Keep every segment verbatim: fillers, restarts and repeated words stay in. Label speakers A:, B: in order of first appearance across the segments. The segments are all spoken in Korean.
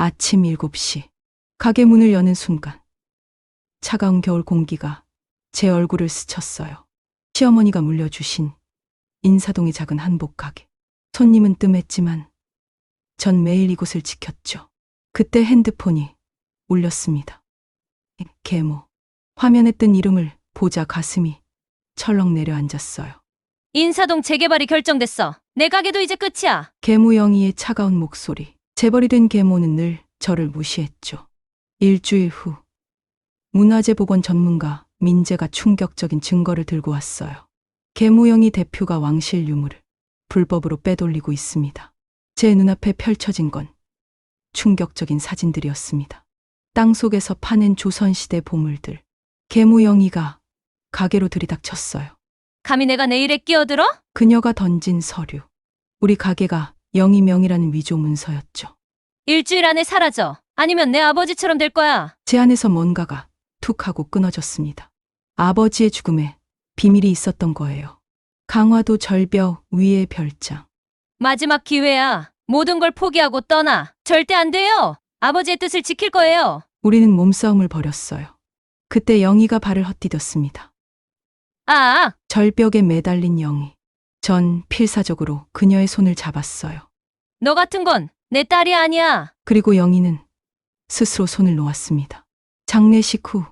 A: 아침 일곱 시. 가게 문을 여는 순간 차가운 겨울 공기가 제 얼굴을 스쳤어요. 시어머니가 물려주신 인사동의 작은 한복 가게. 손님은 뜸했지만 전 매일 이곳을 지켰죠. 그때 핸드폰이 울렸습니다. 계모. 화면에 뜬 이름을 보자 가슴이 철렁 내려앉았어요.
B: 인사동 재개발이 결정됐어. 내 가게도 이제 끝이야.
A: 계모 영희의 차가운 목소리. 재벌이 된 계모는 늘 저를 무시했죠. 일주일 후 문화재보건 전문가 민재가 충격적인 증거를 들고 왔어요. 계모 영희 대표가 왕실 유물을 불법으로 빼돌리고 있습니다. 제 눈앞에 펼쳐진 건 충격적인 사진들이었습니다. 땅속에서 파낸 조선시대 보물들. 계모 영희가 가게로 들이닥쳤어요.
B: 감히 내가 내 일에 끼어들어?
A: 그녀가 던진 서류. 우리 가게가 영희 명의라는 위조 문서였죠.
B: 일주일 안에 사라져. 아니면 내 아버지처럼 될 거야.
A: 제 안에서 뭔가가 툭 하고 끊어졌습니다. 아버지의 죽음에 비밀이 있었던 거예요. 강화도 절벽 위의 별장.
B: 마지막 기회야. 모든 걸 포기하고 떠나. 절대 안 돼요. 아버지의 뜻을 지킬 거예요.
A: 우리는 몸싸움을 벌였어요. 그때 영희가 발을 헛디뎠습니다.
B: 아,
A: 절벽에 매달린 영희. 전 필사적으로 그녀의 손을 잡았어요.
B: 너 같은 건 내 딸이 아니야.
A: 그리고 영희는 스스로 손을 놓았습니다. 장례식 후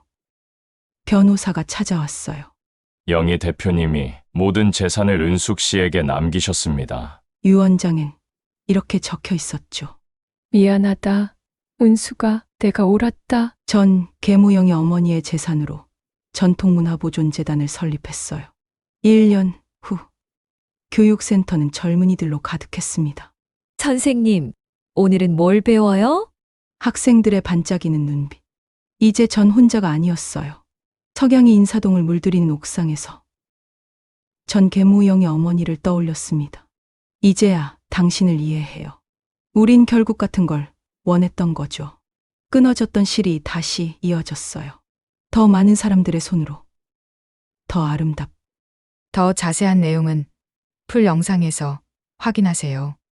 A: 변호사가 찾아왔어요.
C: 영희 대표님이 모든 재산을 은숙 씨에게 남기셨습니다.
A: 유언장엔 이렇게 적혀 있었죠.
D: 미안하다. 은수가 내가 옳았다.
A: 전 계모영희 어머니의 재산으로 전통문화보존재단을 설립했어요. 일 년 후 교육센터는 젊은이들로 가득했습니다.
E: 선생님, 오늘은 뭘 배워요?
A: 학생들의 반짝이는 눈빛. 이제 전 혼자가 아니었어요. 석양이 인사동을 물들이는 옥상에서 전 계모영의 어머니를 떠올렸습니다. 이제야 당신을 이해해요. 우린 결국 같은 걸 원했던 거죠. 끊어졌던 실이 다시 이어졌어요. 더 많은 사람들의 손으로. 더 아름답.
F: 더 자세한 내용은 풀 영상에서 확인하세요.